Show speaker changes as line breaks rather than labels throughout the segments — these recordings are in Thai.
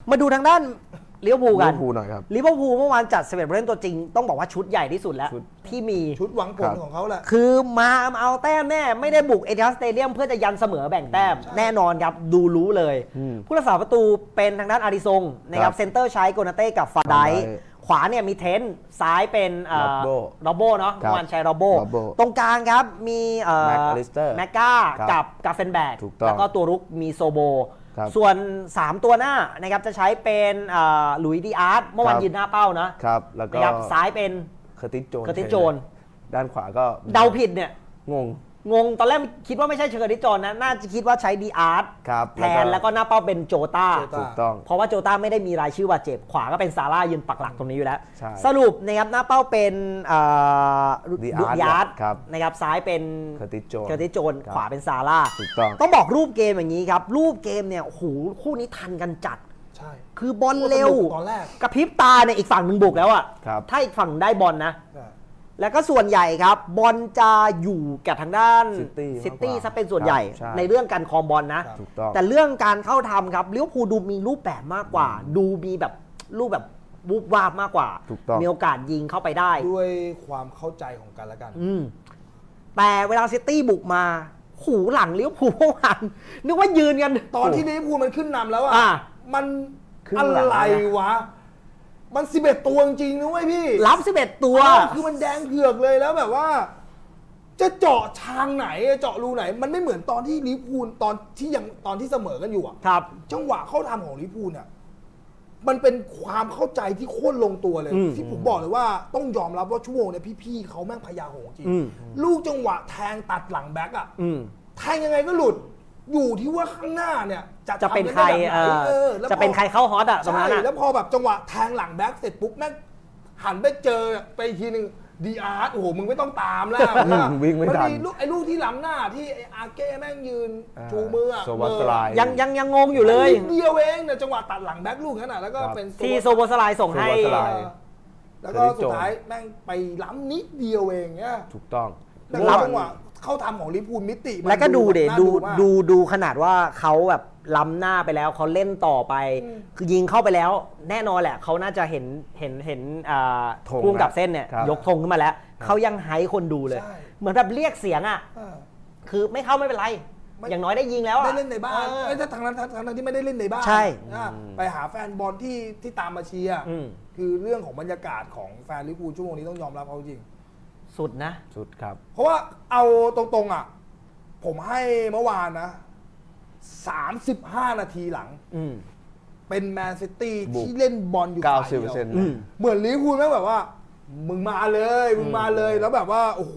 มาดูทางด้านลิเวอร์พูลกัน
ลิเวอร์พูลหน่อยครับ
ลิเวอร์พูลเมื่อวานจัด11ผู้เล่นตัวจริงต้องบอกว่าชุดใหญ่ที่สุดแล้วที่มี
ชุดหวังผลของเขาแหละ
คือมาเอาแต้มแน่ไม่ได้บุกเอทิฮัดสเตเดียมเพื่อจะยันเสมอแบ่งแต้มแน่นอนครับดูรู้เลย ผู้รักษาประตูเป็นทางด้านอาริซงนะครับเซนเตอร์ใช้โกนาเต้กับฟาไดขวาเนี่ยมีเทนซ้ายเป็นโรโบเนาะเมื่อวานใช้โรโบตรงกลางครับมีแม็กกากับกาเฟนแบกแล้วก็ตัวรุกมีโซโบส่วน3ตัวหน้านะครับจะใช้เป็นหลุยส์ดิอาร์ตเมื่อวานยืนหน้าเป้านะครับแล้วก็ซ้ายเป็น
เคอร์ติสโจนด้านขวาก็
เดาผิดเนี่ย
ง
งตอนแรกคิดว่าไม่ใช่เชอร์ดิจอนนะน่าจะคิดว่าใช้ดีอาร์ตแทนแล้วก็หน้าเป้าเป็นโจต้า
ถูกต้อง
เพราะว่าโจต้าไม่ได้มีรายชื่อบาดเจ็บขวาก็เป็นซาร่ายืนปักหลักตรงนี้อยู่แล้วสรุปนะครับหน้าเป้าเป็น
ดิอาร์ต
นะครับซ้ายเป็น
เคอร์ติสโจน
ขวาเป็นซาร่า
ถูกต้อง
บอกรูปเกมอย่างนี้ครับรูปเกมเนี่ยโอ้โหคู่นี้ทันกันจัด
ใช่
คือบอลเร็ว
ตอนแรก
กระพริบตาเนี่ยอีกฝั่งหนึ่งบุกแล้วอ่ะถ้าอีกฝั่งได้บอลนะแล้วก็ส่วนใหญ่ครับบอลจะอยู่กับทางด้านซิตี้ซะเป็นส่วนใหญ่ในเรื่องการครองบอลนะแต่เรื่องการเข้าทำครับลิเวอร์พูลดูมีรูปแบบมากกว่าดูมีแบบรูปแบบวูบวาบมากกว่ามีโอกาสยิงเข้าไปได้
ด้วยความเข้าใจของกันและกัน
แต่เวลาซิตี้บุกมาหูหลังลิเวอร์พูลเมื่อวานนึกว่ายืนกัน
ตอนที่ลิเวอร์พูลมันขึ้นนำแล้วอ่ะมันอะไรวะมัน11ตัวจริงนะเว้ยพี่
รับ11ตัว
คือมันแดงเผือกเลยแล้วแบบว่าจะเจาะทางไหนเจาะรูไหนมันไม่เหมือนตอนที่ลิเวอร์พูลตอนที่เสมอกันอยู่อ่ะ
ครับ
จังหวะเข้าทำของลิเวอร์พูลเนี่ยมันเป็นความเข้าใจที่โคตรลงตัวเลยที่ผมบอกเลยว่าต้องยอมรับว่าชั่วโมงเนี่ยพี่ๆเขาแม่งพยาโหงจริงลูกจังหวะแทงตัดหลังแบ็คอ่ะแทงยังไงก็หลุดอยู่ที่ว่าข้างหน้าเนี่ย
จะเป็นใครจะเป็นใครเข้าฮอตอ่ะตรงนั้น
แล้วพอแบบจังหวะแทงหลังแบ็คเสร็จปุ๊บแม่งหันไปเจอไปทีนึงดีอาร์ตโอ้โหมึงไม่ต้องตามแล้ว
วิ่งไม่ทัน
ลูกที่ล้ำหน้าที่ไออาร์เก้แม่งยืนชูมือ
ยังงงอยู่เลย
เดียวเองเนี่ยจังหวะตัดหลังแบ็คลูกนั้นแล้วก็เป็น
ที่โซโบสไลส่งให้
แล้วก็สุดท้ายแม่งไปล้ำนิดเดียวเองเนี่ย
ถูกต้อง
แล้วจังหวะเข้าทำของลิเวอร์พูลมิติ
แล้วก็ดูขนาดว่าเขาแบบล้ำหน้าไปแล้วเขาเล่นต่อไปคือยิงเข้าไปแล้วแน่นอนแหละเขาน่าจะเห็นพุ่งกับเส้นเนี่ยยกธงขึ้นมาแล้วเขายังไฮคนดูเลยเหมือนแบบเรียกเสียงอ่ะคือไม่เข้าไม่เป็นไรอย่างน้อยได้ยิงแล้ว
ได้เล่นในบ้านถ้าทางนั้นที่ไม่ได้เล่นในบ้าน
ใช่
ไปหาแฟนบอลที่ตามมาเชียร์คือเรื่องของบรรยากาศของแฟนลิเวอร์พูลชั่วโมงนี้ต้องยอมรับเขาจริง
สุดนะ
สุดครับ
เพราะว่าเอาตรงๆอ่ะผมให้เมื่อวานนะ35นาทีหลังเป็นแมนซิตี้ที่เล่นบอลอยู่
90%
เหมือนลิเวอร์พูลแม่งแบบว่ามึงมาเลยแล้วแบบว่าโอ้โห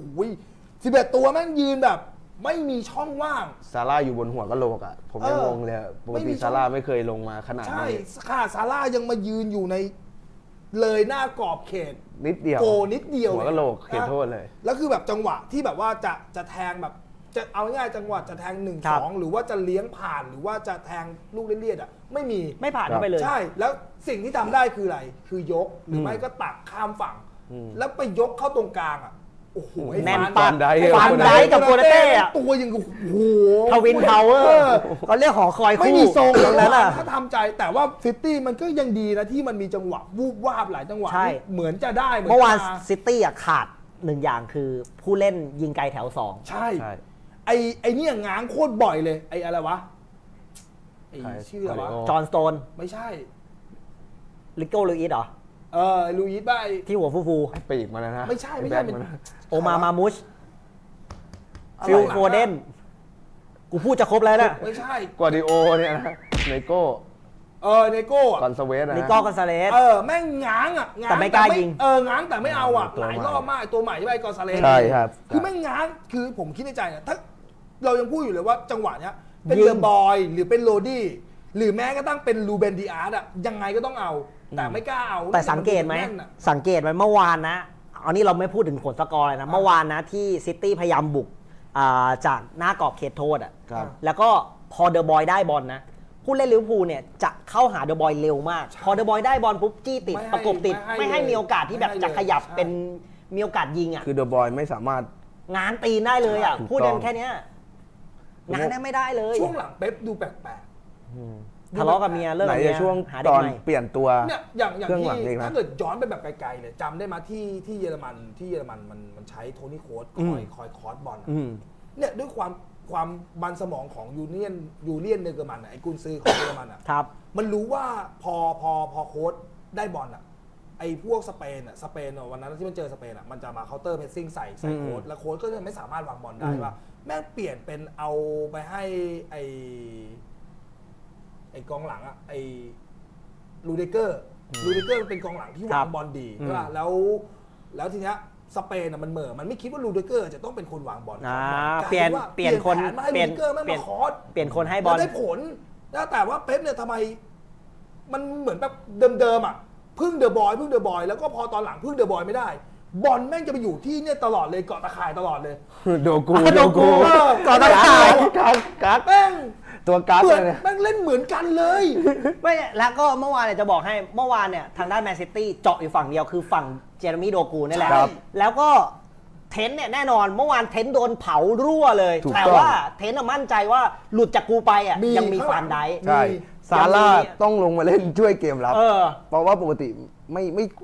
11ตัวแม่งยืนแบบไม่มีช่องว่าง
ซาร่าอยู่บนหัวกะโหลกอ่ะผมยังงงเลยปกติซาร่าไม่เคยลงมาขนาดนี้
ใช่ค่ะซาร่ายังมายืนอยู่ในเลยหน้ากรอบเขต
นิดเดียว
โกนิดเดียว
หัวกะโหลกเขตโทษเลย
แล้วคือแบบจังหวะที่แบบว่าจะแทงแบบจะเอาง่ายจังหวะจะแทง 1-2 หรือว่าจะเลี้ยงผ่านหรือว่าจะแทงลูกเลียดๆอ่ะไม่
ผ่านเข้าไปเลย
ใช่แล้วสิ่งที่ทำได้คืออะไรคือยกหรือไม่ก็ตักข้ามฝั่งแล้วไปยกเข้าตรงกลางอ่ะโอ้โห
แน่นปันได้กับโกนาเต้อะ
ตัวยังโอ้โห
ทวินพาวเวอร์เขาเรียกหอคอยคู่
ไม่มีทรงตรงนั้นอ่ะถ้าทำใจแต่ว่าซิตี้มันก็ยังดีนะที่มันมีจังหวะวูบวาบหลายจังหวะเหมือนจะได้
เมื่อวานซิตี้อ่ะขาด1อย่างคือผู้เล่นยิงไกลแถว2
ใช่ไอ้นี่ง้างโคตรบ่อยเลยไอ้อะไรวะไอ้ชื่ออะไรวะ
จอห์นสโตน
ไม่ใช่
ลิโก้ลูอิสเหรอ
ลูอิสบ้า
ที่หัวฟู
ๆปีกมาแล้วนะ
ไม่ใช่
โอมามุชฟิลโฟเดนกูพูดจะครบแล้วนะ
ไม่ใช่
กวาดิโอเนี่ยนะไนโก้
เนโก้
กอนซาเวสนะ
นิโก้กอนซาเลส
แม่งง้างอ่ะ
แต่ไม่กล้ายิง
ง้างแต่ไม่เอาอ่ะหลายรอบมากตัวใหม่ที่ไปกอนซาเลส
ใช่ครับ
คือแม่งง้างคือผมคิดในใจนะถ้าเรายังพูดอยู่เลยว่าจังหวะเนี้ยเป็นเดอะบอยหรือเป็นโรดี้หรือแม้ก็ต้องเป็นลูเบนดิอาร์ตอ่ะยังไงก็ต้องเอาแต่ไม่กล้าเอา
แต่สังเกตไหมเมื่อวานนะอันนี้เราไม่พูดถึงผลสกอร์เลยนะเมื่อวานนะที่ซิตี้พยายามบุกจากหน้ากรอบเขตโทษอ่ะแล้วก็พอเดอะบอยได้บอลนะผู้เล่นลิเวอร์พูลเนี่ยจะเข้าหาเดอะบอยเร็วมากพอเดอะบอยได้บอลปุ๊บจี้ติดประกบติดไม่ให้มีโอกาสที่แบบจะขยับเป็นมีโอกาสยิงอ่ะ
คือเดอะบอยไม่สามารถ
ง้างตีนได้เลยอ่ะพูดกันแค่นี้ง้างได้ไม่ได้เลย
ช่วงหลังเป๊ปดูแปลก
ทะเลาะกับเมียเลิก
ไหน
กับเมี
จะ
ย
ช่วง
หา
ต
เด็ก
อน
ใหม่
เปลี่ยนตัว
เนี่ยอย่าง
เครื่องหลัง
ที่
อีกนะ
ถ้าเกิดย้อนไปแบบไกลๆเลยจำได้มาที่เยอรมันมันใช้โทนี่โค้ชคอยคอร์สบอลเนี่ยด้วยความมันสมองของยูเลียนเนเกอร์มันไอ้กุนซือของเยอรมันอ่ะ
ครับ
มันรู้ว่าพอโค้ชได้บอลอ่ะไอ้พวกสเปนวันนั้นที่มันเจอสเปนอ่ะมันจะมาเคาน์เตอร์เพรสซิ่งใส่โค้ชแล้วโค้ชก็จะไม่สามารถวางบอลได้ว่าแม่งเปลี่ยนเป็นเอาไปให้ไอ้กองหลังอ่ะไอ้ลูเดเกอร์มันเป็นกองหลังที่วางบอลดีใช่ป่ะแล้วทีเนี้ยสเปนมันเหม่อมันไม่คิดว่าลูเดเกอร์จะต้องเป็นคนวางบอล
เปลี่ยนคน
แผนมาให้ลูเดเกอร์แม่งมาคอร์ส
เปลี่ยนคนให้บอล
ได้ผลนะแต่ว่าเป๊ปเนี่ยทำไมมันเหมือนแบบเดิมๆอ่ะพึ่งเดอะบอยแล้วก็พอตอนหลังพึ่งเดอะบอยไม่ได้ บอลแม่งจะไปอยู่ที่เนี่ยตลอดเลยเกาะตะข่ายตลอดเลย
โดกู
ก่อนตะข่าย
กัด
แม่ง
ตัวกัด
เหมือน
เลย
แม่งเล่นเหมือนกันเลย
ไม่แล้วก็เมื่อวานเนี่ยจะบอกให้เมื่อวานเนี่ยทางด้านแมนซิตี้เจาะอยู่ฝั่งเดียวคือฝั่งเจเรมี่โดกูนี่แหละ
ครับ
แล้วก็เทนต์เนี่ยแน่นอนเมื่อวานเทนต์โดนเผารั่วเลย
ถูก
แต่
ต้อง
ว่าเทนต์มั่นใจว่าหลุดจากกูไปอ่ะยังมีฟานไดค์
ใช่ซาร่าต้องลงมาเล่นช่วยเกมรับ
เออ
เพราะว่าปกติไม่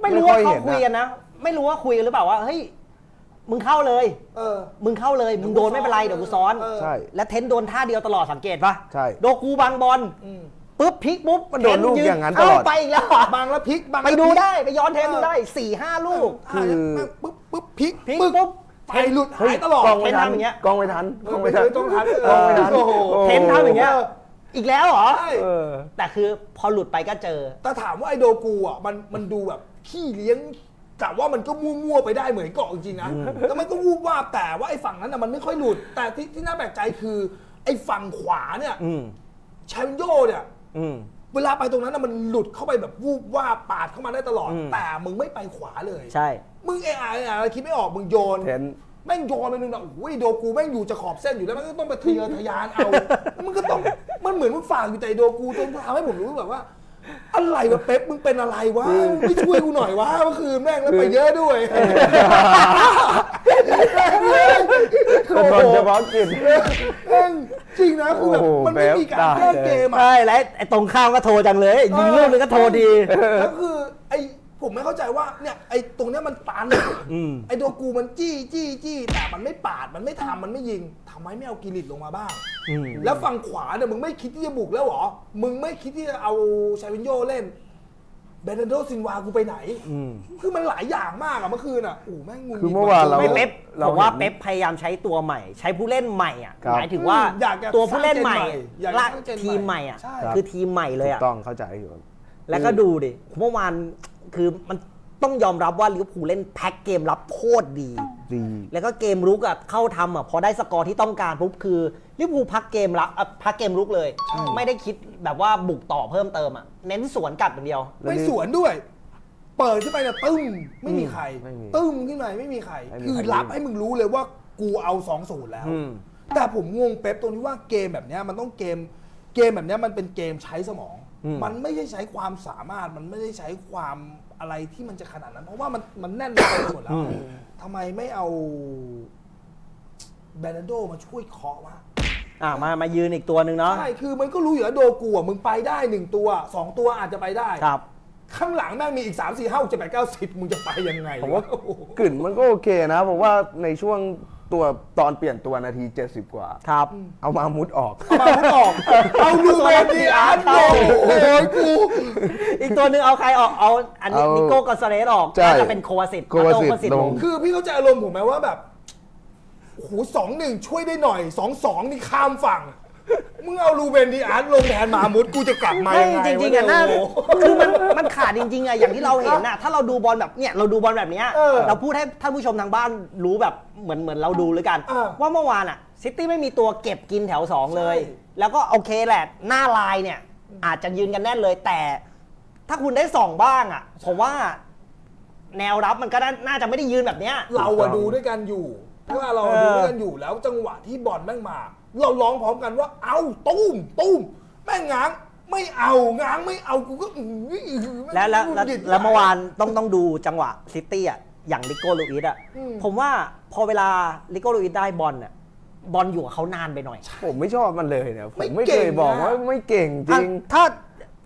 รู้
ค่
ว่า
อย
เขา
เห็น
คุยกันนะ ไม่รู้ว่าคุยกันหรือเปล่าว่าเฮ้ยมึงเข้าเลย มึงเข้าเลยมึงโดนไม่เป็นไรเดี๋ยวกูซ้อน
ใช่
และเทนต์โดนท่าเดียวตลอดสังเกตปะ
ใช่
โดกูบังบอลปุ๊บพลิกปุ๊บ
มันโดนลูกอย่างนั้นตลอด
เไปอีกแล้วเหรอบ
างแล้วพลิกบาง
ไปดูได้ไปย้อนเทปดูได้ 4-5 ลูก
คือ
ปุ๊บพลิก
พลิก
ปึ๊บ
ปุ๊บ
ไปหลุดหายตลอด
กล้องไม่ทัน
เทนทำอย่างเงี้ย
กล้องไม่ทันกล้องไม่ทัน
ต้องทัน
กล้องไม่ทัน
โอ้โห
เทนทำอย่างเงี้ยอีกแล้วเหรอ
ใช่
เออ
แต่คือพอหลุดไปก็เจอ
แต่ถามว่าไอโดกูอ่ะมันดูแบบขี้เลี้ยงแต่ว่ามันก็มั่วๆไปได้เหมือนเกาะจริงๆนะแล้วมันก็วูบวาบแต่ว่าไอฝั่งนั้นน่ะมันไม่ค่อยหลุด แต่ที่น่าแปลกใจคือไอฝั่งขวาเนี่ยชาวินโยเนี่ยเวลาไปตรงนั้นน่ะมันหลุดเข้าไปแบบวูบวาบปาดเข้ามาได้ตลอด แต่มึงไม่ไปขวาเลย
ใช่
มึงอะไรคิดไม่ออกมึงโยน
เทน
แม่งโยนไปนึงนะโอ้ยโดกูแม่งอยู่จะขอบเส้นอยู่แล้วมันก็ต้องไปทะเยอทะยานเอามันก็ต้องมันเหมือนมึงฝากอยู่แต่โดกูจนทำให้ผมรู้แบบว่า อะไรวะเป๊ปมึงเป็นอะไรวะไม่ช่วยกูหน่อยวะเมื่อคืนแม่งแล้วไปเยอะด้วย
เป็นคนเฉพาะกิจ
แม่งจริงนะคือแบบ
โอ้โห
มันไม่มีการ
เป๊ป
แก้เกมอ่ะ
ใช่แล้วไอ้ตรงข้ามก็โทรจังเลยยิงลูกนึงก็โทรดี
แล้วคือไอ้ผมไม่เข้าใจว่าเนี่ยไอ้ตรงเนี้ยมันตันไอ้โดกูมันจี้แต่มันไม่ปาดมันไม่ทำมันไม่ยิงทำไมไม่เอากิริตลงมาบ้างแล้วฝั่งขวาเนี่ยมึงไม่คิดที่จะบุกแล้วเหรอมึงไม่คิดที่จะเอาชาวินโยเล่นเบรนโดซินวากูไปไหนคือมันหลายอย่างมากอะเมื่อคืนอะโอ้แม่งงุน
คือเมื่อวานเรา
ไม่เป๊ป
เรา
ผมว่า
เห็น
เป๊ปพยายามใช้ตัวใหม่ ใช้ผู้เล่นใหม่อ่ะ
ครับ
หมายถึงว่า
อยากจะ
ตัวผู้เล่นใหม่
อยากจะ
ละ
สร้างเจนใหม่
ทีมใหม่อ่ะ
ใช่
คือทีมใหม่เลย
ถู
อ่ะ
กต้องเข้าใจอยู่
แล้วก็ดูดิเมื่อวานคือมันต้องยอมรับว่าลิเวอร์พูลเล่นแพ็คเกมรับโคตรดี
ดี
แล้วก็เกมรุกอ่ะเข้าทำอ่ะพอได้สกอร์ที่ต้องการปุ๊บคือลิเวอร์พูลพักเกมรับพักเกมรุกเลย ไม่ได้คิดแบบว่าบุกต่อเพิ่มเติมอ่ะเน้นสวนกลับอย่างเดียว
ไม่สวนด้วย เปิดขึ้นไปเนี่ยตึ้มไม่มีใคร
ไม่มี
ตึ้มขึ้นไปไม่มีใคร
ไม่มี
คือ
ใคร
รับให้มึงรู้เลยว่ากูเอา 2-0 แล้ว แต่ผมงงเป๊ปตรงที่ว่าเกมแบบเนี้ยมันต้องเกมแบบเนี้ยมันเป็นเกมใช้สมอง มันไม่ใช่ใช้ความสามารถมันไม่ได้ใช้ความอะไรที่มันจะขนาดนั้น เพราะว่ามันแน่นไปหมดแล้วทำไมไม่เอาแบรนโดมาช่วยเคาะวะ
มายืนอีกตัวหนึ่งเนาะ
ใช่คือมันก็รู้อยู่แล้วโดกูอ่ะมึงไปได้1ตัว2ตัวอาจจะไปได้
ครับ
ข้างหลังแม่งมีอีก 3 4 5 6 7 8 9 10มึงจะไปยังไง
ผมว่า
โอ้โห
กลิ่นมันก็โอเคนะผมว่าในช่วงตัวตอนเปลี่ยนตัวนาที 70 กว่า
ครับ
เอามามุดออก
เอามาพูดออกเอาลูเมนดีอาร์ตโอ้โหกู
อีกตัวหนึ่งเอาใครออกเอาอันนี้
เอา
นิโก้กอนซาเลสออก
ใช่
น่าจะเป็นโควาสิต
โควาสิตลง
คือพี่เข้าใจอารมณ์ผมไหมว่าแบบโอ้โห2-1 ช่วยได้หน่อย 2-2 นี่ข้ามฝั่งมึงเอาลูเบนดีอาร์ตลงแทนมามุดกูจะกลับมา
ไม่
ยังไง
จริงๆอ่ะ
ว
น่า
โอ้โห
คือมันขาดจริงๆอ่ะอย่างที่เราเห็นน่ะถ้าเราดูบอลแบบเนี้ยเราดูบอลแบบเนี้ย
เออ
เราพูดให้ท่านผู้ชมทางบ้านรู้แบบเหมือนเราดูเลยกัน
เออ
ว่าเมื่อวานอ่ะซิตี้ไม่มีตัวเก็บกินแถว 2 เลย
ใช่
แล้วก็โอเคแหละหน้าลายเนี่ยอาจจะยืนกันแน่นเลยแต่ถ้าคุณได้ส่องบ้างอ่ะผมว่าแนวรับมันก็น่าจะไม่ได้ยืนแบบเนี้ย
เราอะดูด้วยกันอยู่เพราะว่าเราดูด้วยกันอยู่แล้วจังหวะที่บอลแม่งมา เราร้องพร้อมกันว่าเอาตุ้มแม่งง้างไม่เอาง้างไม่เอากูก็
แล้ว
หงุดหงิด
เมื่อวานต้องดูจังหวะซิตี้อ่ะอย่างลิโก้ลูอิสอ่ะผมว่าพอเวลาลิโก้ลูอิสได้บอลอ่ะบอลอยู่กับเขานานไปหน่อย
ผมไม่ชอบมันเลยเนี่ยผม
ไม่
ไม่
เก่
เค
ง
ยบอก
นะ
ว่าไม่เก่งจริง
ถ้า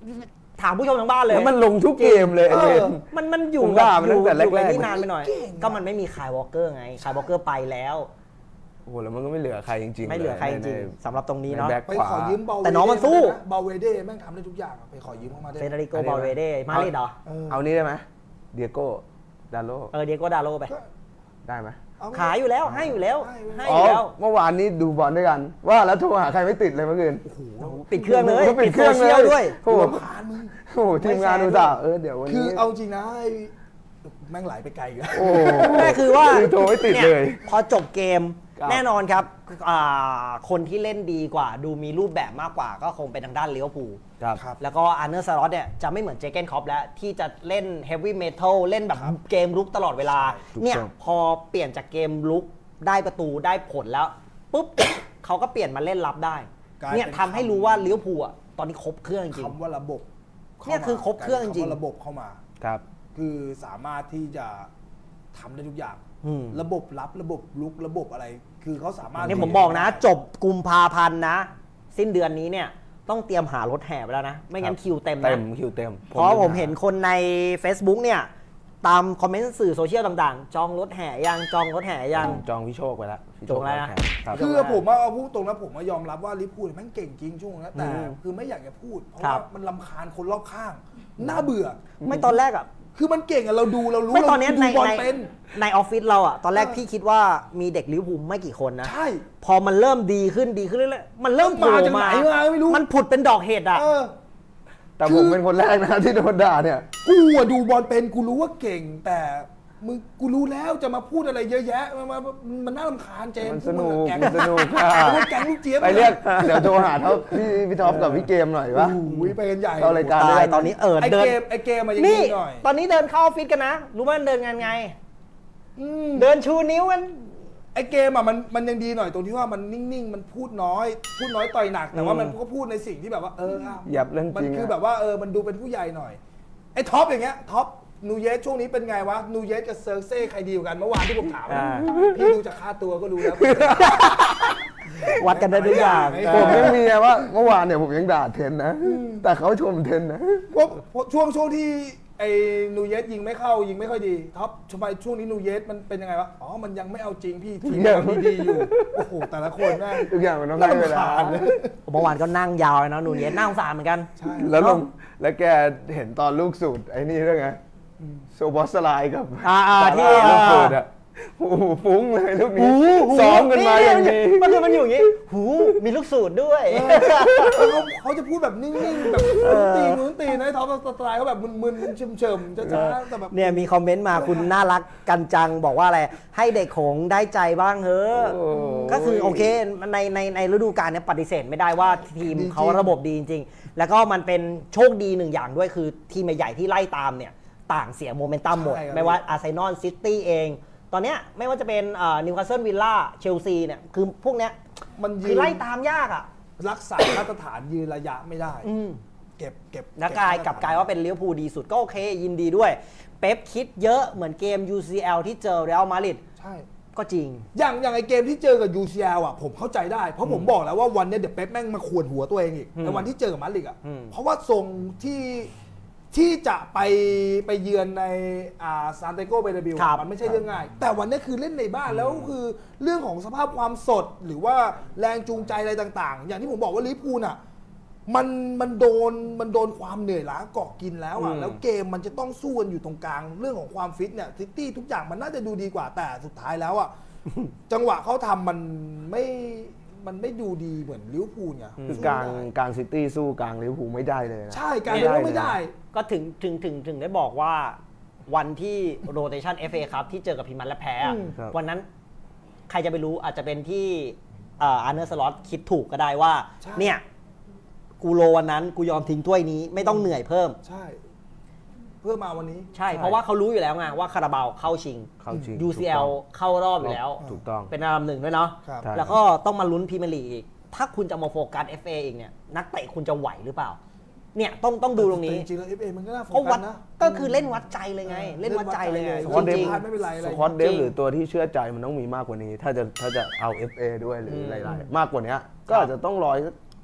ถามผู้ชมทางบ้านเลย
แล้วมันลงทุกเกมเลยไอ้เวน
มันอยู่
ผมว่ามันตั้งแต่แรกๆ
อยู่นี่นานไปหน่อย ก็มันไม่มีคายวอลเกอร์ไงคายวอลเกอร์ไปแล้ว
โอ้โหแล้วมันก็ไม่เหลือใครจริงๆ
ไม่เหลือใครจริงๆสำหรับตรงนี้เนาะ
แบ็ค
ไป
ขวา
ขอยืมเบา
แต่น้องมันสู้
เบาเวเด้แม่งทำได้ทุกอย่างอะไปขอยืมเข้ามาได้
เฟเดริโกบาลเวเดมาดริดเหรอ
เอานี้ได้ไหมเดียโก้ดาโล
เดียโกดาโลไป
ได้ไหม
เอไป
ขายอยู่แล้วให้อยู่แล้วให้
อ๋
อ
อยู่
แล้ว
เมื่อวานนี้ดูบอลด้วยกัน ว่าแล้วโทรหาใครไม่ติดเลยเมื่อคืน
ปิดเครื่องเลย
ปิดเครื่อง
โซ
เล
เชีย
ย
ลด้วย
โอ้โห
รำคาญมึง
โอ้โหทีมงานดูต่าเดี๋ยววัน
คือ
นี้
เอาจริงนะไอ้แม่งไหลไปไกลกัน
โอ้โห
แม่คือว่า
โทรไม่ติดเลย
พอจบเกม
ครับ
แน่นอนครับคนที่เล่นดีกว่าดูมีรูปแบบมากกว่าก็คงเป็นทางด้านลิเวอร์พูล
ครับ
ครับ
แล้วก็อาร์เนอร์สล็อตเนี่ยจะไม่เหมือนเจเกนคอปแล้วที่จะเล่นเฮฟวี่เมทัลเล่นแบบเกมลุกตลอดเวลา
ถูก
เนี่ย
ต้อง
พอเปลี่ยนจากเกมลุกได้ประตูได้ผลแล้วปุ๊บ เขาก็เปลี่ยนมาเล่นรับได้
กลายเป็น
เนี่ยทำให้รู้ว่าลิเวอร์พูลอะตอนนี้ครบเครื่องจริง
คำว่าระบบข้า
เนี่ยคือครบเครื่องจริง
คำว่าระบบเข้ามา
ครับ
คือสามารถที่จะทำได้ทุกอย่าง
อืม
ระบบรับระบบลุกระบบอะไร คือเขาสามารถ
เนี่ยผมบอกนะ จบกุมภาพันธ์นะ สิ้นเดือนนี้เนี่ยต้องเตรียมหารถแห่ไปแล้วนะ ไม่งั้นคิวเต็ม
เต็
นะ
มคิวเต็ม
เพราะผมเห็นคนใน Facebook เนี่ยตามคอมเมนต์สื่อโซเชียลต่างๆ จองรถแห่ยังจองรถแห่ยัง
จองพี่โชคไปแล้วพี่โช
จ
ค
องแล้วนะ
ครับ
คือผมว่าเอาพูดตรงนะผมยอมรับว่าลิเวอร์พูลแม่งเก่งจริงช่วงนั้นแต่
อืม
คือไม่อยากจะพูด เพราะ
ครั
ว่า
บ
มันลำคาญคนรอบข้าง น่าเบื่อ
ไม่ตอนแรกอ่ะ
คือมันเก่งอะเราดูเรารู้
ไม่ตอนเนี้ย
เรา
ใน
ดูบอล
ใน
เป็น
ในออฟฟิศเราอ่ะ ตอนแรก
เออ
พี่คิดว่ามีเด็กลิเวอร์พูลไม่กี่คนนะ
ใช่
พอมันเริ่มดีขึ้นเรื่อยๆมันเริ่มโผล่
มาจากไหนมาไม่รู้
มันผุดเป็นดอกเห็ดอ่ะ
เออ
แต่ผมเป็นคนแรกนะที่โดนด่าเนี่ย
กูอะดูบอลเป็นกูรู้ว่าเก่ง แต่มึงกูรู้แล้วจะมาพูดอะไรเยอะแยะมันน่ารำคาญเจมส์
มันสนุก
แก๊ง
มันสนุกค่ะ
พวกแก๊งลูกเจี๊ยบ
ไปเรียกเดี๋ยวโทรหาพี่ท็อปกับพี่เกมหน่อยวะ
อุ้ยไปกันใหญ่
เข้ารายการ
ตายตอนนี้
ไอ
เดิน
เกมไอเกมมาอย่าง
นี่
นี้หน่อย
ตอนนี้เดินเข้าออฟฟิศกันนะ รู้ไหมมันเดินงานไง
อืม
เดินชูนิ้วกัน
ไอเกมอะมันยังดีหน่อยตรงที่ว่ามันนิ่งๆมันพูดน้อยต่อยหนักแต่ว่ามันก็พูดในสิ่งที่แบบว่าะ
หยับเรื่อง
มัน
จริง
คือ
อะ
แบบว่ามันดูเป็นผู้ใหญ่หน่อยไอท็อปอย่างเงี้ยท็อปนูเยสช่วงนี้เป็นไงวะนูเยสกับเซอร์เซ่ใครดีกว่ากันเมื่อวานที่ผมถาม
อ่า
พี่ดูจากค่าตัวก็รู้แล้ว
วัดกันได้ทุกอย่าง
ผมยังมีไงว่าเมื่อวานเนี่ยผมยังด่าเทนนะ แต่เขาชมเทนนะ
เพราะช่วงที่ไอ้นูเยสยิงไม่เข้ายิงไม่ค่อยดีท็อปทำไมช่วงนี้นูเยสมันเป็นยังไงวะอ๋อมันยังไม่เอาจริงพี่ทีมมันดีๆอยู่โอ้โหแต่ละคนแม่ง
ทุกอย่างมันต้องได้เวลา
เมื่อวานก็นั่งยาวเลยนะนูนเย็นนั่งสารเหมือนกัน
ใช่
แล้วแล้วแกเห็นตอนลูกสูตรไอ้นี่ด้วยไงโซบอสไลด์กับ
ที่
ลูกสูตรอะโอ้โหฟุ้งเลยลูกนี้ซ้อมกันมาอย่างดี
มันคือมันอยู่อย่างนี้หูมีลูกสูตรด้วย
เขาจะพูดแบบนิ่งๆแบบนู้นตีนะไอ้ท็อปสไตล์เขาแบบมึนๆเฉมๆช้าๆแต่แบบ
เนี่ยมีคอมเมนต์มาคุณน่ารักกันจังบอกว่าอะไรให้เด็กโขงได้ใจบ้างเฮ้อะ
โอ้
ก็คือโอเคในฤดูกาลเนี้ยปฏิเสธไม่ได้ว่าทีม
ดีจริง
เขาระบบดีจริงๆ แล้วก็มันเป็นโชคดีหนึ่งอย่างด้วยคือทีมใหญ่ๆที่ไล่ตามเนี่ยต่างเสียโมเมนตัมหมด ไม่ว่าอาร์เซนอลซิตี้เอง ตอนเนี้ยไม่ว่าจะเป็นนิวคาสเซิลวิลล่าเชลซีเนี่ยคือพวกเนี้ย
มันยื
คือน ไล่ตามยากอ่ะ
รักษามาตรฐานยืนระยะไม่ได้ เก็บ
แล้วกลายว่าเป็นลิเวอร์พูลดีสุดก็โอเค ยินดีด้วย เป๊ปคิดเยอะเหมือนเกม UCL ที่เจอเรอัลมาดริด
ใช่
ก็จริง
อย่างไอเกมที่เจอกับ UCL อ่ะผมเข้าใจได้เพราะผมบอกแล้วว่าวันเนี้ยเดี๋ยวเป๊ปแม่งมาขวนหัวตัวเองอีกในวันที่เจอกับมาดริดอ่ะเพราะว่าทรงที่จะไปเยือนในซานเตโกเบเนบิล
ครับ
มันไม่ใช่เรื่องง่าย แต่วันนี้คือเล่นในบ้านแล้วคือเรื่องของสภาพความสดหรือว่าแรงจูงใจอะไรต่างๆ อย่างที่ผมบอกว่าลิเวอร์พูลอ่ะมันโดนความเหนื่อยล้าเกาะกินแล้วอ่ะแล้วเกมมันจะต้องสู้กันอยู่ตรงกลางเรื่องของความฟิตเนี่ยซิตี้ทุกอย่างมันน่าจะดูดีกว่าแต่สุดท้ายแล้วอ่ะ จังหวะเขาทำมันไม่ดูดีเหมือนลิเวอร์พูลไง
คือกลางซิตี้สู้กลางลิเวอร์พูลไม่ได้เลยนะ
ใช่การเล่นไม่ได้
ก็ถึงได้บอกว่าวันที่โรเตชัน FA ครับที่เจอกับพิมันและแพ้อะ
ครับ
วันนั้นใครจะไปรู้อาจจะเป็นที่อาร์เนอร์สล็อตคิดถูกก็ได้ว่า
ใช่
เนี่ย กูโลวันนั้นกูยอมทิ้งถ้วยนี้ไม่ต้องเหนื่อยเพิ่ม
ใช่ เพื่อมาวันนี้
ใช่ เพราะว่าเขารู้อยู่แล้วไงว่าคาราบาวเข้าชิง
เข้าจริง
UCL เข้ารอบอยู่แล้ว
ถูกต้อง
เป็นอันดับหนึ่งด้วยเนาะ
ครับ
ใช่
แล้วก็ต้องมาลุ้นพรีเมียร์ลีกอีก ถ้าคุณจะมาโฟกัส FA อีกเนี่ย นักเตะคุณจะไหวหรือเปล่า เนี่ยต้องดูตรงนี้
จริงๆแล้ว FA มันก็น่าโฟ
ก็
กั
วั
ส
ด
นะ
ก็คือเล่นวัดใจเลยไง เล่นวัดใจเลยไง
ส
ควอตเด
จ
ฟ
ริง
ไม่เป็นไรอะไร
สควอตเดฟ
จริง
หรือตัวที่เชื่อใจมันต้องมีมากกว่านี้ ถ้าจะเอา FA ด้วยหรืออะไรๆมากกว่านี้ก็อาจจะต้องรอ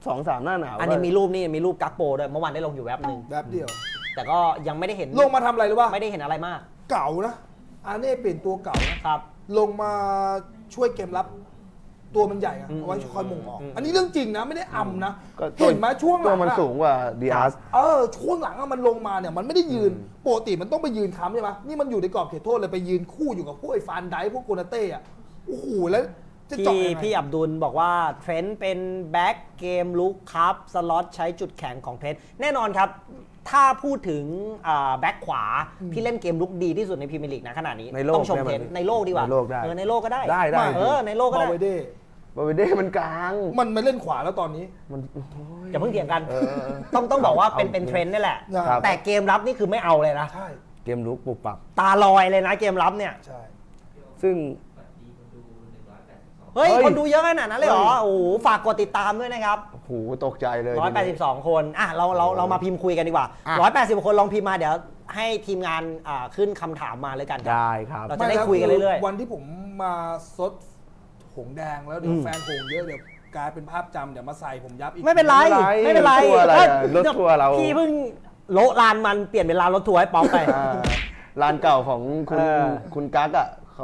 2-3 หน้าหนาว
อันนี้มีรูปกักโปด้วยเมื่อวานได้ลงอยู่แวบหนึ่ง
แบบเดียว
แต่ก็ยังไม่ได้เห็น
ลงมาทำอะไรหรือว่า
ไม่ได้เห็นอะไรมาก
เก่านะอาเน่เปลี่ยนตัวเก่านะครับ ลงมาช่วยเกมรับตัวมันใหญ่อะเอาไว้คอยมงออกอันนี้เรื่องจริงนะไม่ได้อำนะ
ก็
เห็นไหมช่วงห
ตั
ลั
ว
ง
มัน
อะ
สูงกว่าดีอาร์ส
ช่วงหลังอะมันลงมาเนี่ยมันไม่ได้ยืนปกติมันต้องไปยืนค้ำใช่ไหมนี่มันอยู่ในกรอบเขตโทษเลยไปยืนคู่อยู่กับพวกไอ้ฟานไดพวกโกนาเต้อะโอ้โหแล้วจะเจาะยังไง
พี่อับดุลบอกว่าเทรนต์เป็นแบ็กเกมลุกครับสล็อตใช้จุดแข็งของเทรนต์แน่นอนครับ ถ้าพูดถึงแบ็กขวาที่เล่นเกมลุกดีที่สุดในพรีเมียร์ลีกนะขณะนี้
ในโลก
ต้องชมเทรนต์ในโลกดีกว่า
ในโลกได้
ในโลกก็ได้
ได้
ในโลกก็
บา
ได้
เวเด้
บาเวเด้มันกลาง
มันมาเล่นขวาแล้วตอนนี้
มัน
อย่าเพิ่งเถียงกัน ต้องบอกว่าเป็นเทรนด์นี่แหละ
ครับ
แต่เกมรับนี่คือไม่เอาเลยนะ
ใช่
เกมลุกปุบปับ
ตาลอยเลยนะเกมรับเนี่ย
ใช่
ซึ่ง
เฮ้ย
เฮ้ย
คนดูเยอะขนาดนั้นเลยเหรอ
เฮ้ย
โอ้โหฝากกดติดตามด้วยนะครับ
โอ้โหตกใจเลยทีนี้
182 คนอ่ะเรามาพิมพ์คุยกันดีกว่า 180 คนลองพิมพ์มาเดี๋ยวให้ทีมงานขึ้นคำถามมาเลยกันครับ
ได้ครับ
เรา จะได้คุยกันเรื่อยๆ
วันที่ผมมาซดหงแดงแล้วเดี๋ยวแฟนหงเยอะเดี๋ยวกลายเป็นภาพจำเดี๋ยวมาใส่ผมยับอีก
ไม่เป็นไร
ไม่เป็นไรรถทัวร์อะไรอะรถทัวร์เรา
พี่เพิ่งโละลานมันเปลี่ยนเป็นลานรถทัวร์ให้ป๊อปไป
อ่าร้านเก่าของคุณ
เออ
คุณกั๊กอ่ะเขา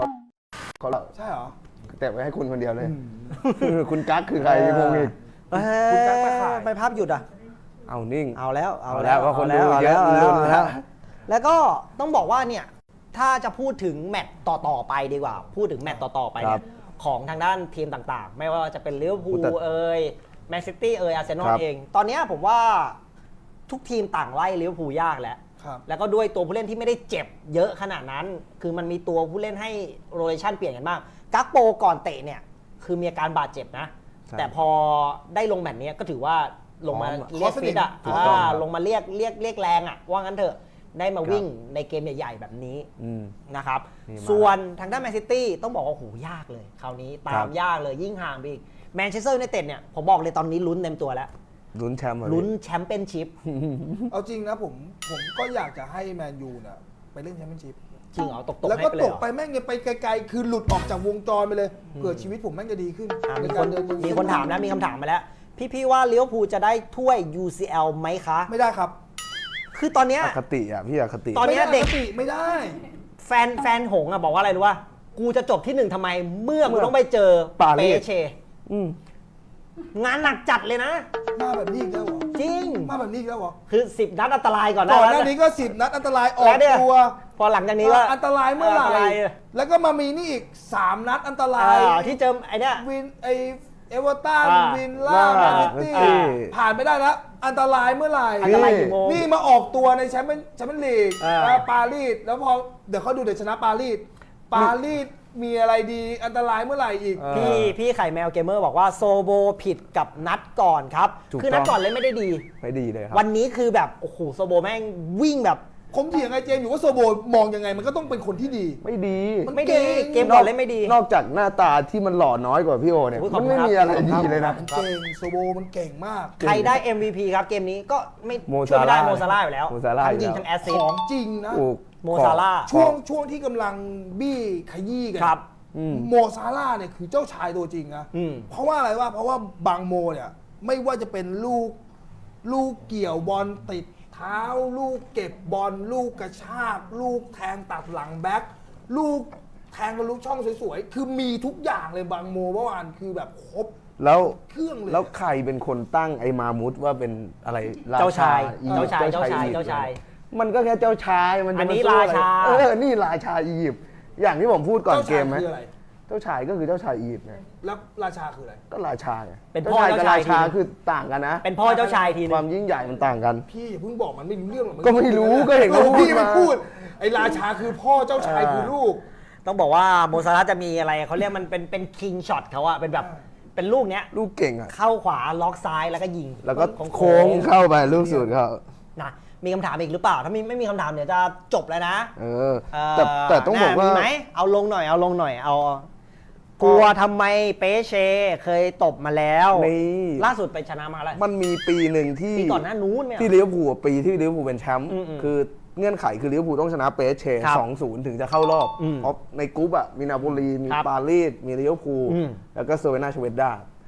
ใช่เหรอ
แต่ไว้ให้คุณคนเดียวเลย คุณกั๊กคือใครงงอีก
คุณกั๊กมาขาย
ไปภาพหยุดอ่ะ
เอานิ่ง
เอาแล้ว
เอาแล้วว่าคนดูเยอะ
า
ลุ้นแล้ว
แล้วก็ต้องบอกว่าเนี่ยถ้าจะพูดถึงแมตต์ต่อๆไปดีกว่า พูดถึงแมตต์ต่อๆไปเนี่ยของทางด้านทีมต่างๆ ไม่ว่าจะเป็นลิเวอร์พูลเอ่ยแมนซิตี้เอ่ยอาร์เซนอลเอง ตอนเนี้ยผมว่าทุกทีมต่างไล่ลิเวอร์พูลยากแล้ว
ครับ
แล้วก็ด้วยตัวผู้เล่นที่ไม่ได้เจ็บเยอะขนาดนั้น คือมันมีตัวผู้เล่นให้โรเ t ชันเปลี่ยนกันมากกักโปก่อนเตะเนี่ยคือมีอาการบาดเจ็บนะ แต่พอได้ลงแมตช์นี้ก็ถือว่าลงมาเรียกฟิตอ่ะ
ถูกต้องครับ
ลงมาเรียกแรงอ่ะว่างั้นเถอะได้มาวิ่งในเกมใหญ่ๆแบบนี้
อืม
นะครับ
นี่มา
ส่วนทางด้านแมนซิตี้ต้องบอกว่าโหยากเลย คราวนี้ตา
ครั
ม
บ
ยากเลยยิ่งห่างไปอีกแมนเชสเตอร์ยูไนเต็ดเนี่ยผมบอกเลยตอนนี้ลุ้นเต็มตัวแล้ว
ลุ้นแชมป์เหรอ
ลุ้นแชมเปี้ยนชิพ
เอาจริงนะผมก็อยากจะให้แมนยูเนี่ยไปเล่นแชมเปี้ยนชิพ
จริงเหรอตก
แล้ว
ให้
ก็
ไปเล
ต
ย
ก
เหรอ
ไปแม่งยังไปไกลๆ คือหลุดออกจากวงจรไปเลยเผื่อชีวิตผมแม่งจะดีขึ้น
มี
ใน
ค
การ
น
เดิน
มีคนถามนะมีคำถามมาแล้ว พี่ว่าลิเวอร์พูลจะได้ถ้วย UCL ไหมคะ
ไม่ได้ครับ
คือตอนเนี้ย
อคติอ่ะพี่อคติ
ตอนเนี้ยเด็ก
ไม่ได้
แฟนหงส์อะบอกว่าอะไรรู้ว่ากูจะจบที่หนึ่งทำไมเมื่อกูต้องไปเจอ
ปารี
เป
ส
เช
อืม
งานหนักจัดเลยนะ
มาแบบนี้อีกแล้วเหรอ
จริง
มาแบบนี้อีกแล้วเหรอ
คือ 10 นัดอันตรายก่อน
ก่อนห
แล้
น้าว นี้ก็10 นัดอันตรายออ
แล้
ก
วเนี่ย
ตัว
พอหลังจากนี้ก็
อันตรายเมื่อไหร่
นตราย
แล้วก็มามีนี่อีก3 นัดอันตราย
ที่เจอไอเนี้ย
วินไอเอเวอร์ตัน
อ่า
วินล่าแมนซิตี้
อ่า
ผ่านไม่ได้แล้วอันตรายเมื่อไหร่
อันตรายกี่โมง
นี่มาออกตัวในแชมเปี้ยนลีก ปารีสแล้วพอเดี๋ยวเขาดูเดี๋ยวชนะปารีสมีอะไรดีอันตรายเมื่อไหร่อีก
พี่ไข่แมวเกมเมอร์บอกว่าโซโบผิดกับนัดก่อนครับ
ถูก
คือนัด
ต้อง
ก่อนเล่นไม่ได้ดี
ไม่ดีเลยครับ
วันนี้คือแบบโอ้โหโซโบแม่งวิ่งแบบ
ผมเถียงไอ้เจมส์อยู่ว่าโซโบมองยังไงมันก็ต้องเป็นคนที่ดี
ไม่ดี
มัน
ไม่ดี
เก่ง
เกมก่อนเล่นไม่ดี
นอกจากหน้าตาที่มันหล่อน้อยกว่าพี่โอเนี่ย
โอ้ยขอ
มั
บ
น
คุณ
ไม่
ครับ
มีอะไร
ขอบคุณ
ดี
ครับ
เลยนะ
เก่งโซโบมันเก่งมาก
ใครได้ MVP ครับเกมนี้ก็ไม่
โม
ช่วยไม่ได้
ซาร่า
โมซาร่าอยู่แล้ว
โมซาร่า
ทั้งยิง
อยู่แล้ว
ทั้งแอสซิ
ข
ส
อง
ต์
จริงนะ
ถูก
โมซาร่า
ช่วงที่กำลังบี้ขยี้กั
ครับ
โมซาร่าเนี่ยคือเจ้าชายตัวจริงนะ
อืม
เพราะว่าอะไรวะเพราะว่าบางโมเนี่ยไม่ว่าจะเป็นลูกเกี่ยวบอลติดเท้า ลูกเก็บบอลลูกกระชาก ลูกแทงตัดหลังแบ็คลูกแทงกับลูกช่องสวยๆคือมีทุกอย่างเลยบางโมเมื่อวานคือแบบครบ
แล้ว
เครื่องเลย
แล้วใครเป็นคนตั้งไอ้มามุดว่าเป็นอะไรร
เจ้าชาย
อียิปต์
เจ้าชาย
อียิปต์
เจ้าชาย
มันก็แค่เจ้าชายมันจะ
อันนี้
มสู้อะไร
ราชา
นี่ราชาอียิปต์อย่างที่ผมพูดก่อน
เจ้า
เก
ชาย
มไหม
คืออะไร
เจ้าชายก็คือเจ้าชายอียิปต์ไง
แล้วราชาคืออะไร
ก็ราชาไง
เป็นพ่อ
กับ
เจ้าชาย
ราชา
ทีนึง
คือต่างกันนะ
เป็นพ่อเจ้าชายทีนึ
ควาง มยิ่งใหญ่มันต่างกัน
พี่อย่าเพิ่งบอกมันไม่รู้เรื่องหรอกน
ก็ไม่รู้ก็เห็น
ออ
เขาพูด
พี่มัน
มา
พูดไอ้ราชาคือพ่อเจ้าชายคือลูก
ต้องบอกว่าโมซาร่าจะมีอะไรเขาเรียกมันเป็นคิงช็อตเขาอะเป็นแบบเป็นลูกเนี้ย
ลูกเก่งอ่ะ
เข้าขวาล็อกซ้ายแล้วก็ยิง
แล้วก็
ของ
โค้งเข้าไปลูกสุดเขา
นะมีคำถามอีกหรือเปล่าถ้าไม่มีคำถามเดี๋ยวจะจบแล้วนะ
เออแต่ต้องบอกว่า
มีไหมเอาลงหน่อยเอากลัวทำไมเปเชเคยตบมาแล้ว
นี่
ล่าสุดไปชนะมาแล้ว
มันมีปีหนึ่งที่
ปีก่อนหน้านู้นเนี่ย
ที่ลิเวอร์พูลปีที่ลิเวอร์พูลเป็นแชมป์
อืม
คือเงื่อนไขคือลิเวอร์พูลต้องชนะเปเช่
ครับ
2-0 ถึงจะเข้ารอบ
อืม
เพราะในกรุ๊ปอ่ะมีนาโปลีมี
ครับ
ปารีสมีลิเวอร์พูล
อืม
แล้วก็เซอร์เวนาชเวดดา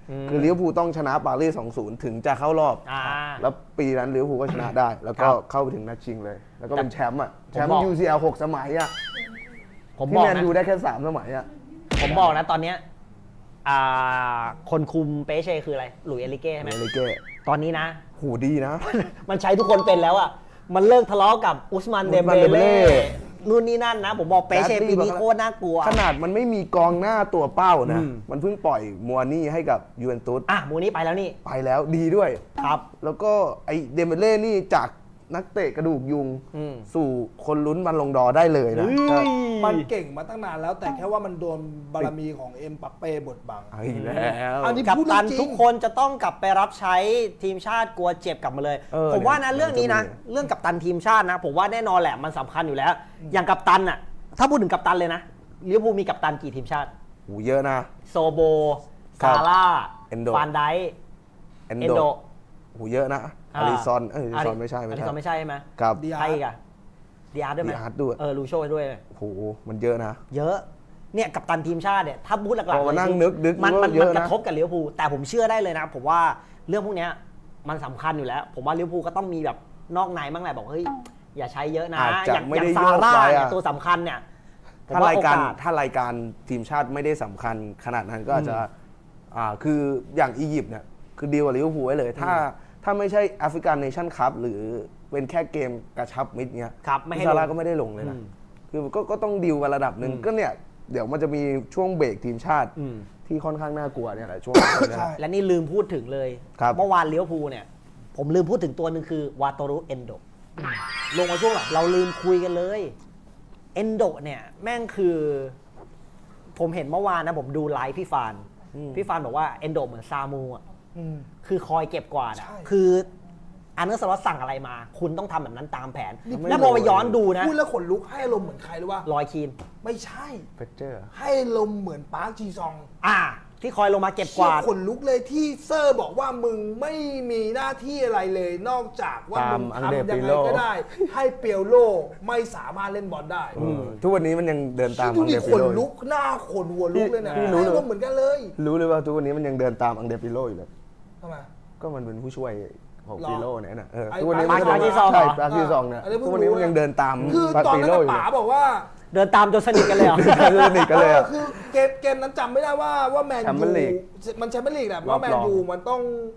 คือลิเวอร์พูลต้องชนะปารีส 2-0 ถึงจะเข้ารอบ แล้วปีนั้นลิเวอร์พูลก็ชนะได้ แล้วก็เข้าไปถึงนัดชิงเลย แล้วก็เป็นแชมป์อ่ะแชมป์ UCL 6 สมัยอ่ะ
ผม
ที่
บอก
แมน
นะ
ยูได้แค่ 3 สมัยอ่ะ
ผมบอกนะตอนเนี้ยคนคุมเปเช่คืออะไรหลุยส์เอลิเก้ใช่ไหม
เอลิเก้
ตอนนี้นะ
หูดีนะ
มันใช้ทุกคนเป็นแล้วอ่ะมันเลิกทะเลาะกับอุสมันเดมเบ
อุสมันเดมเบเล่
เล่นู่นนี่นั่นนะ ผมบอกเปเช่ปีนี้โคตรน่ากลัว
ขนาดมันไม่มีกองหน้าตัวเป้านะ มันเพิ่งปล่อยมัวนี่ให้กับยูเวนตุส
หมูนี้ไปแล้วนี่
ไปแล้วดีด้วย
ครับ
แล้วก็ไอเดมเบเล่นี่จากนักเตะกระดูกยุง สู่คนลุ้นบัลลงดอร์ได้เลยนะ
มันเก่งมาตั้งนานแล้วแต่แค่ว่ามันโดนบารมีของเอ็มบัปเป้บดบัง
เอาอีกแล้ว
อันนี้
กัป
พูด
ตัน
จริง
ทุกคนจะต้องกลับไปรับใช้ทีมชาติกลัวเจ็บกลับมาเลย ผมว่านะ
เนี่ย
เรื่องนี้นะ เรื่องกัปตันทีมชาตินะ ผมว่าแน่นอนแหละมันสำคัญอยู่แล้ว อย่างกัปตันอ่ะถ้าพูดถึงกัปตันเลยนะลิเวอร์พูลมีกัปตันกี่ทีมชาติ
หูเยอะนะ
โซโบซาร่า
เอนโด
ฟานไดค์
เอน
เอน
โด
โด
หูเยอะนะอาริซอนอาริซอนไม่ใช่
อาริซอนไม่ใช่ใช่ไหม
ครับ
ดี
ใครอีกอะดีอาร์ด้วยไหม
ดีอาร์ด้วย
ลูโชด้วย
โหมันเยอะนะ
เยอะเนี่ยกัปตันทีมชาติเนี่ยถ้าพูดหลักๆ
พอมานั่ง
เลย
นึก
มัน
ว่า
มัน
เยอะนะ
กระทบกับลิเวอร์พูลแต่ผมเชื่อได้เลยนะ ผมว่าเรื่องพวกเนี้ยมันสำคัญอยู่แล้ว ผมว่าลิเวอร์พูลก็ต้องมีแบบนอกในบ้างแหละบอกเฮ้ยอย่าใช้เยอะนะ
อาจจะ
อย่าง
ไม่ได้
ซาร่า
โยกไป
เนี่ย
อะ
ตัวสำคัญเนี่ยผม
ถ้า
ว่
รายการ
โอกส
ถ้ารายการทีมชาติไม่ได้สำคัญขนาดนั้นก็อาจจะคืออย่างอียิปต์เนี่ยคือดีลกับลิเวอร์พูลไว้เลย ถ้าไม่ใช่แอฟริกันเนชั่นคัพหรือเป็นแค่เกมกระชับมิตรเนี้ย
ครับไม่ให้
ซาร่า
ลง
ก็ไม่ได้ลงเลยนะคือก็ต้องดีลกันระดับหนึ่งก็เนี่ยเดี๋ยวมันจะมีช่วงเบรกทีมชาติที่ค่อนข้างน่ากลัวเนี่ยแหละช่วงนี้เนี่ย
ใช่
และนี่ลืมพูดถึงเลย
ครับ
เมื่อวานลิเวอร์พูลเนี่ยผมลืมพูดถึงตัวหนึ่งคือวาโตรุเอนโดลงมาช่วงหลังเราลืมคุยกันเลยเอนโดเนี่ยแม่งคือ ผมเห็นเมื่อวานนะผมดูไลฟ์พี่ฟานบอกว่าเอนโดเหมือนซามูอ่ะ
อืม
คือคอยเก็บกวาดอะ
ใช่
คืออาร์เนอร์สล็อตสั่งอะไรมา คุณต้องทำแบบนั้นตามแผน
นี่
แล้วพอไปย้อนดูนะ
พูดแล้วขนลุกให้อารมณ์เหมือนใครรู้ป่ะ
ลอยคีน
ไม่ใช่
เฟเจอร์
ให้อารมณ์เหมือนปาร์คจีซอง
ที่คอยลงมาเก็บกวาด
ขนลุกเลยที่เซอร์บอกว่ามึงไม่มีหน้าที่อะไรเลย นอกจากว่ามึง
ตามอังเด
ทำยัง
ปิ
ไง
โล
ก็ได้ ให้เปียวโลไม่สามารถเล่นบอลได้
ทุกวันนี้มันยังเดินตาม
ดู
อัง
ดิ
เด
ข
ปิ
น
โล
ลุกหน้าขนหัวลุกเลยเนี่ย
พี่รู้
ให้
เลย
อารมณ์เหมือนกันเลย
รู้เลยว่าทุกวันนี้มันยังเดินตามอังเดปิโลอยู่เลย
ทำไม
ก็มันเป็นผู้ช่วยของ
หรอ
ปิโลเนี่ยนะ
ไอ้
ทุกวันนี้
ปาร์ค
ก็
จีซองเหรอ
ใช่ปาร์คจีซองเนี่ย
อันนี้เพิ่ง
ทุกวันนี้
รู้
มันยังเดินตาม
คือ
ปาร์ค
ตอน
ปิ
นั้
โล
น
อยู่
ป๋าบอกว่า
เดินตามจนสนิทกันเลยเหรอ
คือสนิทกันเลยอะ
คือเกมนั้นจำไม่ได้ว่าแมน
แชมเปี้
ยู
ยนลีก
มันแชมเปี้ยนลีกแหละ
รอบ
ว่าแมนยูมัน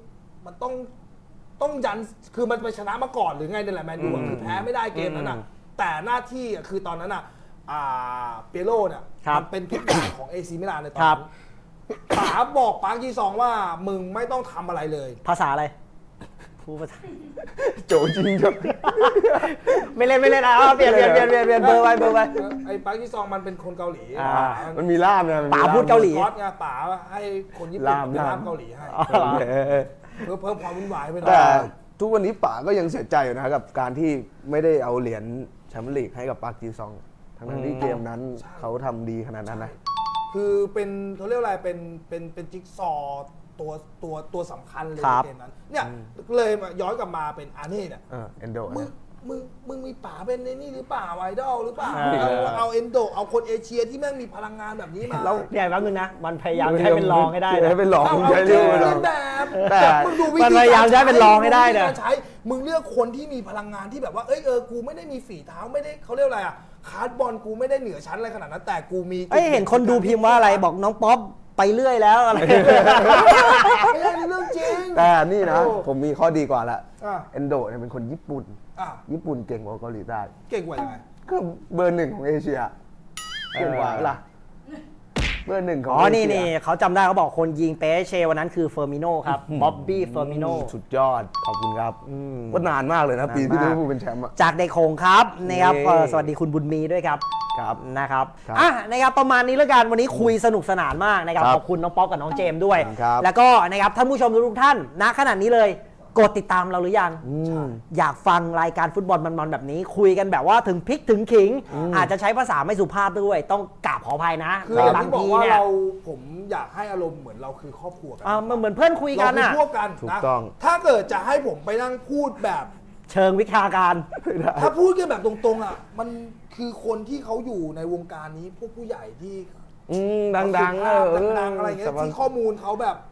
ต้องยันคือมันไปชนะมาก่อนหรือไงนี่แหละแมนยูอะคือแพ้ไม่ได้เกมนั้นอ่ะแต่หน้าที่อะคือตอนนั้นอ่ะเปียโรเนี่ย
ครับ
มันเป็นทุกอย่างของเอซีมิลานในตอน
ครั
นั้
บ
นป๋าบอกปาร์คจีซองว่ามึงไม่ต้องทำอะไรเลย
ภาษาอะไรพูดภาษา
โจจริงจัง
ไม่เล่นเปลี่ยนเบอร์ไว้
ไอ้ปาร์คจีซองมันเป็นคนเกาหลี
มันมีล่ามนะมันมี
ป๋า
ล่ม
พูดเกาหลี
คอสไงป๋าให้คนญี่ปุ่น
ล่าม
เป็นล่ามเกาหลีให้
อ๋อเหรอ
เพื่อเพิ่มความวุ่นวายไปหน่อ
แต่
ย
ทุกวันนี้ป๋าก็ยังเสียใจอยู่นะกับการที่ไม่ได้เอาเหรียญแชมเปี้ยนลีกให้กับปาร์คจีซองทั้งที่เกมนั้นเขาทำดีขนาดนั้นนะ
คือเป็นเขาเรียกอะไรเป็นจิ๊กซอว์ตัวสำคัญเลย
ครั
ใน
บ
เกมนั้นเนี่ยเลยมาย้อนกลับมาเป็นอาร์เน่เนี่ย
เอนโด
มึงมีป๋าเป็นในนี่หรือเปล่าไอดอลหรือเปล่า
เออ
เอาเอนโดเอาคนเอเชียที่แม่งมีพลังงานแบบนี้มา
แล้ว
เนี่ยแป๊บนึงนะ มันพยายามจะให้เป็นรองให้ได้นะ
ให้เป็นรอง
เอา
ใช้
เที
เรื่
ย
อง
บ
เป็นรอง
แบบ
แต่
มึงดูวิ
มัน
ธี
พยายามจะให้เป็นรองให้ได้นะ
มึงดูวิธีการใช้มึงเลือกคนที่มีพลังงานที่แบบว่ากูไม่ได้มีฝีเท้าไม่ได้เขาเรียกอะไรคาร์ดบอลกูไม่ได้เหนือชั้นอะไรขนาดนั้นแต่กูมี
เห็นคนดูพิมพ์ว่าอะไรบอกน้องป๊อปไปเรื่อยแล้วอะไร
ไม่ใช่เรื่องจริง
แต่นี่นะ
โอ้
ผมมีข้อดีกว่าละ
อ่ะ
เอนโดเนี่ยเป็นคนญี่ปุ่น
อ่ะ
ญี่ปุ่นเก่งกว่าเกาหลีใต้
เก่งกว่ายังไง
ก็เบอร์หนึ่งของเอเชียเก่งกว่าล่ะเบอร์หนึ่งของ
อ๋อ
เอเชีย
นี่เขาจำได้เขาบอกคนยิงเปเชวันนั้นคือเฟอร์มิโนครับบ๊อบบี้เฟอร์มิโน
สุดยอดขอบคุณครับว่านานมากเลยนะ ปีที่
นานมาก
ลิเวอร์พูลเป็นแชมป์อะ
จากเด็กโขงครับนะครับ
เย้
สวัสดีคุณบุญมีด้วยครับ
ครับ
นะครับ
ครับ
นะครับประมาณนี้แล้วกันวันนี้คุยสนุกสนานมากนะครับ
ครับ
ขอบคุณน้องป๊อปกับน้องเจมส์ด้วย
ครับ
แล้วก็นะครับท่านผู้ชมทุกท่านณขณะนี้เลยกดติดตามเราหรือยัง อยากฟังรายการฟุตบอลมันๆแบบนี้คุยกันแบบว่าถึงพริกถึงขิง อาจจะใช้ภาษาไม่สุภาพด้วย ต้องกราบขออภัยนะ
คืออย่าง
บาง
ที่บอก
ที
ว่า
เนี่ย
ผมอยากให้อารมณ์เหมือนเราคือครอบครัวกั
มันเหมือนเพื่อนคุยกัน
เรา
อะ
คือพวกกัน
ถูก
นะ
ต้อง
ถ้าเกิดจะให้ผมไปนั่งพูดแบบ
เชิงวิชาการ
ถ้าพูดกันแบบตรงๆอ่ะมันคือคนที่เขาอยู่ในวงการนี้พวกผู้ใหญ่ที่
ดังๆ
ดังๆอะไรเงี้ย
สปอน
ที่ข้อมูลเขาแบบ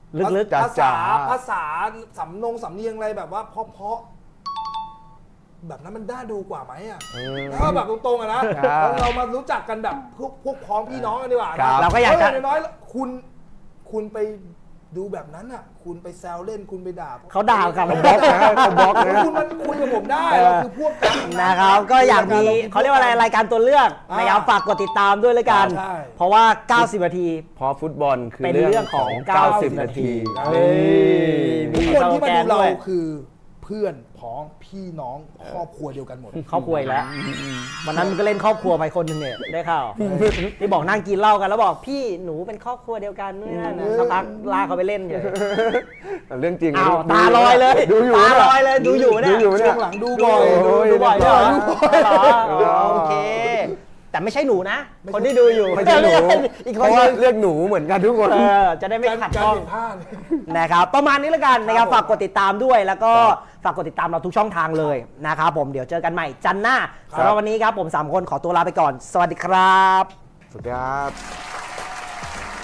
ลึก
ภาษา
จ๋า
ภาษาสำเนียงอะไรแบบว่าเพราะแบบนั้นมันน่าดูกว่าไหมอ่ะถ้าแบบตรงๆอะนะเรามารู้จักกันแบบพวกพ้องพี่น้องกันดีกว่านะ
เราก็อยากจะ
น้อยๆคุณไปดูแบบนั้นอ่ะ คุณไปแซวเล่นคุณไปด่า
เขาด่าครับ
บล็อกนะเขาบล็อกนะ
คุณมันคุยกับผมได้เราคือพวกกัน
นะครับ ก็อยากมีเขาเรียกว่าอะไรรายการตัวเลือกนะครับฝากกดติดตามด้วยเลยกัน
ใช่
เพราะว่า 90 นาที
เพราะฟุตบอลคือ
เป็นเรื่องของ
90 นาที
ทุกคนที่มาดูเรา
ด้วย
คือเพื่อนพ้องพี่น้องครอบครัวเดียวกันหมด
ครอบครัวอีกแล้ววันนั้นมันก็เล่นครอบครัวไปคนหนึ่งเนี่ยได้ข่าวที่บอกนั่งกินเหล้ากันแล้วบอกพี่หนูเป็นครอบครัวเดียวกันนู่นนั่นนะสักพักลากเขาไปเล่นอยู่
แต่เรื่องจริง
อ้าวตาลอยเลย
ดูอยู่
ตาลอยเลยดูอยู่เนี่ย
ดูอยู่เนี่
ช่วย งหลังดูบ่อย
ดูบ่อยด้วยเหรอ
ดูบ่อย
อ๋อโอเค แต่ไม่ใช่หนูนะ คนที่ดูอยู่
ไม่ใช่หนู
อีก
เพ
คน
ราะ
นึ
ว่าง เรียกหนูเหมือนกันทุกคน
จะได้ไม่ขัด
การ
ข้อง
เห็นผ้าเลย
นะครับประมาณนี้แล้วกันนะครับ
ครับ
ฝากกดติดตามด้วยแล้วก็ฝากกดติดตามเราทุกช่องทางเลยนะครับผมเดี๋ยวเจอกันใหม่จันทร์หน้า
ครับ
สำหรับวันนี้ครับผม3คนขอตัวลาไปก่อน สวัสดีครับ
สวัสดีครับ